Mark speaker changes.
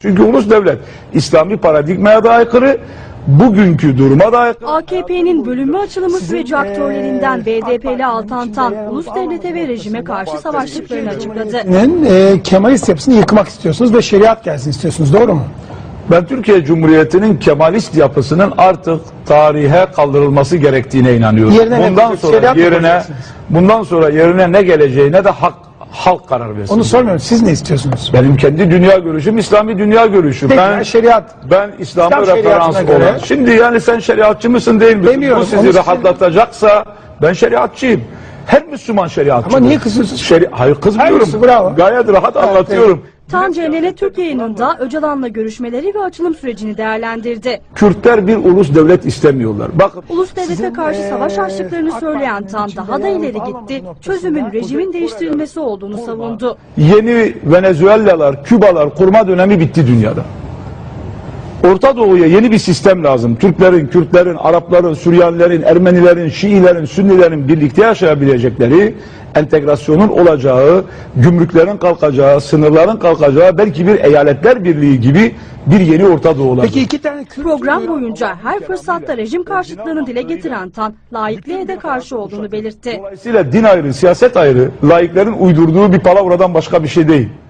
Speaker 1: Çünkü ulus devlet İslami paradigmaya da aykırı, bugünkü duruma da aykırı.
Speaker 2: AKP'nin bölünme açılımı süreci aktörlerinden BDP'li Altantan, ulus devlete ve rejime karşı savaştıklarını açıkladı.
Speaker 3: Kemalist yapısını yıkmak istiyorsunuz ve şeriat gelsin istiyorsunuz, doğru mu?
Speaker 1: Ben Türkiye Cumhuriyeti'nin Kemalist yapısının artık tarihe kaldırılması gerektiğine inanıyorum. Bundan sonra yerine ne geleceğine de halk karar versin.
Speaker 3: Onu sormuyorum. Siz ne istiyorsunuz?
Speaker 1: Benim kendi dünya görüşüm İslami dünya görüşü.
Speaker 3: Peki, şeriat.
Speaker 1: Ben İslam'ı referans olan. Şimdi yani sen şeriatçı mısın değil misin? Bu sizi rahatlatacaksa ben şeriatçıyım. Her Müslüman şeriatçı.
Speaker 3: Ama niye kızıyorsunuz?
Speaker 1: Hayır, kızmıyorum. Gayet rahat anlatıyorum.
Speaker 2: Tan CNN Türk yayınında Öcalan'la görüşmeleri ve açılım sürecini değerlendirdi.
Speaker 1: Kürtler bir ulus devlet istemiyorlar. Bakın,
Speaker 2: Ulus devlete karşı savaş açtıklarını söyleyen Tan daha da ileri gitti. Çözümün rejimin değiştirilmesi olduğunu savundu.
Speaker 1: yeni Venezuelalar, Kübalar kurma dönemi bitti dünyada. Orta Doğu'ya yeni bir sistem lazım. Türklerin, Kürtlerin, Arapların, Süryanilerin, Ermenilerin, Şiilerin, Sünnilerin birlikte yaşayabilecekleri, entegrasyonun olacağı, gümrüklerin kalkacağı, sınırların kalkacağı, belki bir eyaletler birliği gibi bir yeni Orta Doğu olacak.
Speaker 3: Peki iki tane
Speaker 2: Program boyunca her fırsatta rejim karşıtlığını dile getiren Tan, laikliğe de karşı olduğunu belirtti.
Speaker 1: Dolayısıyla din ayrı, siyaset ayrı, laiklerin uydurduğu bir palavradan başka bir şey değil.